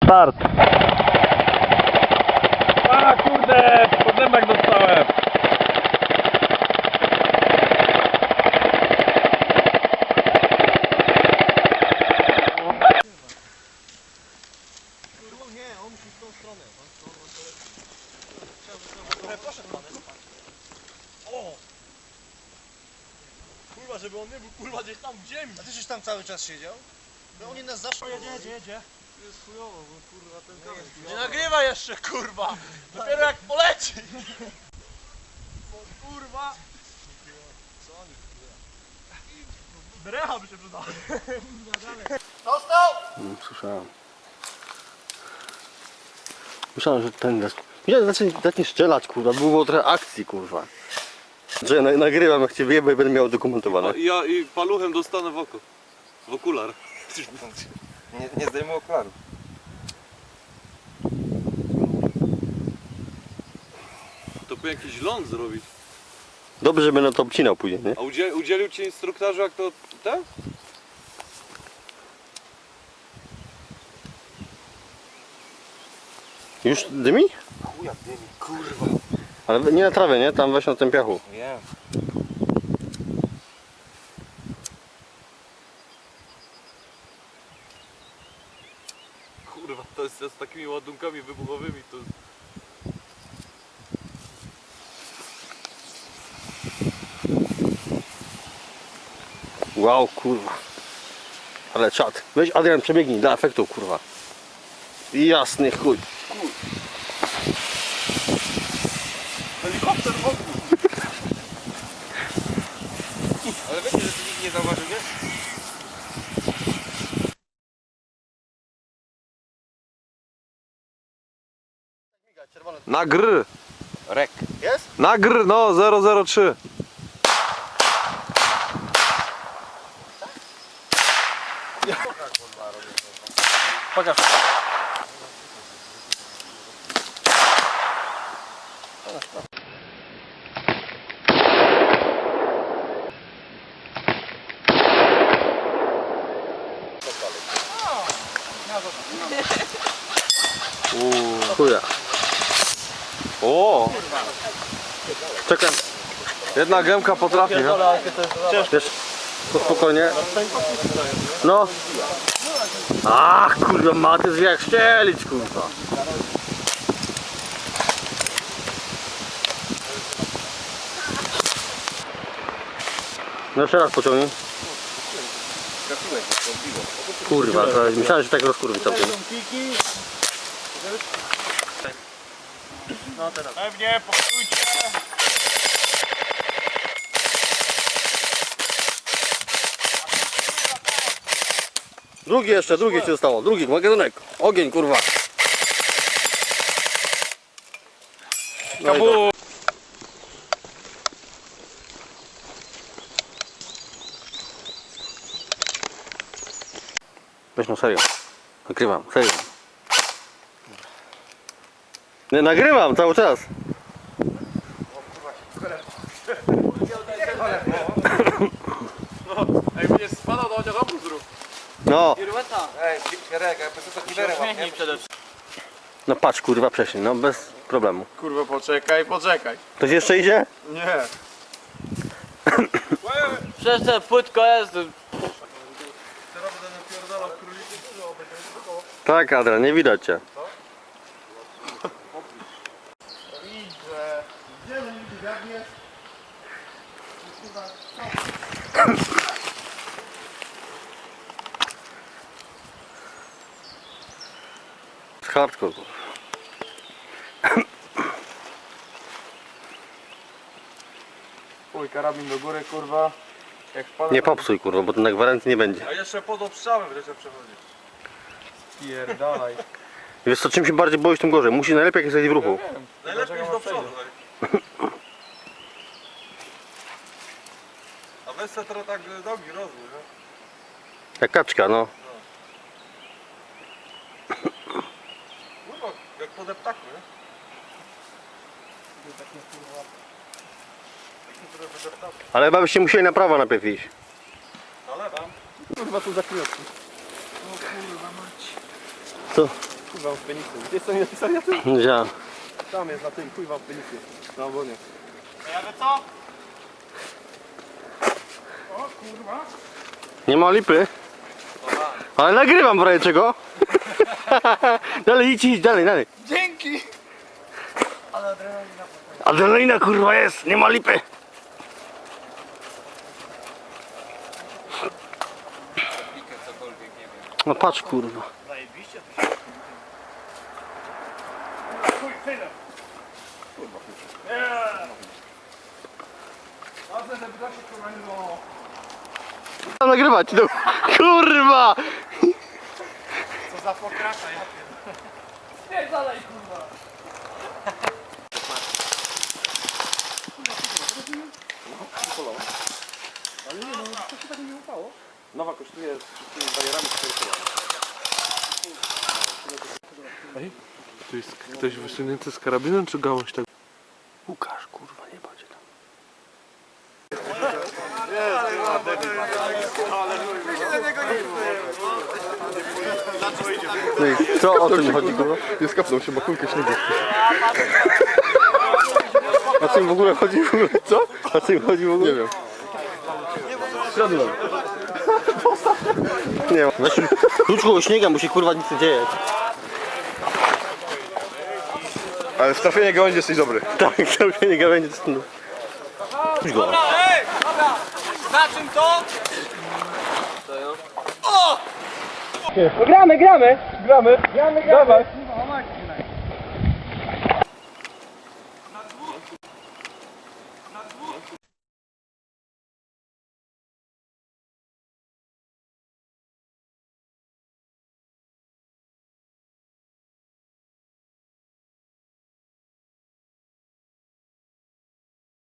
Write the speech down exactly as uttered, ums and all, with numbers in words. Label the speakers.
Speaker 1: Start.
Speaker 2: A kurde, po zębach dostałem.
Speaker 3: Nie, on musi w tą stronę. Poszedł pan. O! Kurwa, żeby on nie był kurwa gdzieś tam w ziemi. A ty żeś tam cały czas siedział? No oni nas zawsze... Jedzie, jedzie, jedzie. Jest chujowo, bo kurwa ten kamień... Nie nagrywa jeszcze kurwa! Dopiero jak poleci! Bo kurwa... Co oni kurwa? Drecha by się przydała. Dostał!
Speaker 1: Mm, słyszałem. Myślałem, że ten des... Myślałem, że zacznie, zacznie strzelać, kurwa. Było trochę akcji, kurwa. Że ja na, nagrywam, jak cię wyjebę i będę miał dokumentowane.
Speaker 4: Ja i paluchem dostanę w oko. W okular.
Speaker 5: Nie, nie zdejmę okularów.
Speaker 4: To powinien jakiś ląd zrobić.
Speaker 1: Dobrze, że będę to obcinał później, nie?
Speaker 4: A udziel, udzielił ci instruktorze jak to... ten?
Speaker 1: Już dymi?
Speaker 5: Chuja dymi, kurwa.
Speaker 1: Ale nie na trawie, nie? Tam weź na tym piachu.
Speaker 5: Wiem.
Speaker 4: Kurwa, to jest z takimi ładunkami wybuchowymi to...
Speaker 1: Wow, kurwa. Ale czad. Weź Adrian, przebiegnij dla efektu, kurwa. Jasny chuj.
Speaker 5: Helikopter w ogóle. Ale wiecie, że tu nikt nie zauważył, nie?
Speaker 4: Na gr!
Speaker 5: Rek.
Speaker 1: Jest?
Speaker 4: Na gr, no zero zero trzy.
Speaker 2: Pokaż.
Speaker 1: Chuja.
Speaker 4: O!
Speaker 1: Czekaj.
Speaker 4: Jedna gębka potrafi, no.
Speaker 1: Wiesz, to spokojnie. No. Ach, kurwa, maty wie jak szczelić, kurwa. No jeszcze raz pociągnij. Kurwa, to myślałem, że tak rozkurwi całkiem.
Speaker 2: No teraz. Pewnie, poczujcie.
Speaker 1: Drugi jeszcze, drugi ci zostało. Drugi magazynek. Ogień, kurwa. No i
Speaker 2: Kabu.
Speaker 1: weź no serio. Nagrywam, serio. Nie, nagrywam cały czas.
Speaker 2: Ej, będzie spadał, to chociaż obrót zrób.
Speaker 1: No,
Speaker 5: Ej, Rek, ja bez to kiwerem mam, nie?
Speaker 1: no patrz, kurwa, prześlij, no bez problemu.
Speaker 2: Kurwa, poczekaj, poczekaj.
Speaker 1: Ktoś jeszcze idzie?
Speaker 2: Nie.
Speaker 6: Przecież ta płytko jest.
Speaker 1: Tak, Adrian, nie widać cię. Hardcore.
Speaker 2: Oj, karabin do góry, kurwa. Jak wpada...
Speaker 1: Nie popsuj, kurwa, bo to na gwarancji nie będzie.
Speaker 4: A jeszcze pod obstrzałem wreszcie przechodzić.
Speaker 2: Pierdalaj.
Speaker 1: Wiesz co, czym się bardziej boisz, tym gorzej. Musi najlepiej jak jesteś w ruchu.
Speaker 4: Najlepiej iść do przodu. A weź se trochę tak nogi rozwój, no.
Speaker 1: Jak kaczka, no.
Speaker 4: Kurwa, jak po deptaku, nie?
Speaker 1: Ale chyba byście musieli na prawo najpierw iść.
Speaker 4: Na lewo.
Speaker 2: Kurwa, tu za chwilę.
Speaker 1: Co?
Speaker 4: chuj wam w penisy. Jest to nie napisane na tym?
Speaker 1: Widziałem.
Speaker 4: Tam jest na tym, chuj wam w penisy. Na obonie.
Speaker 1: Nie ma lipy. Ale nagrywam w razie czego. Dalej idź, idź, dalej, dalej.
Speaker 2: Dzięki!
Speaker 1: Adrenalina kurwa jest, nie ma lipy. No patrz kurwa. Tam nagrywać, no. Kurwa!
Speaker 2: Co za pokracza, ja pierdolę.
Speaker 4: Nowa kosztuje z wszystkimi barierami cztery koła.
Speaker 7: To jest ktoś wysunięty z karabinem, czy gałąź tak?
Speaker 1: Łukasz, kurwa, nie będzie tam. No i co o tym chodzi, kurwa?
Speaker 4: Nie skapnął się, bo kulkę śniegu.
Speaker 1: O co im w ogóle chodzi w ogóle? Co? O co im chodzi w ogóle?
Speaker 4: Nie wiem.
Speaker 1: Środłem. Nie wiem. Weź klucz koło śniega, mu się kurwa nic nie dzieje.
Speaker 4: Ale w trafienie gałęzi jesteś dobry.
Speaker 1: Tak, to nie gawędzie. Puść go.
Speaker 2: Na czym to?
Speaker 3: Gramy, gramy! Gramy! Gramy, gramy! Dawaj!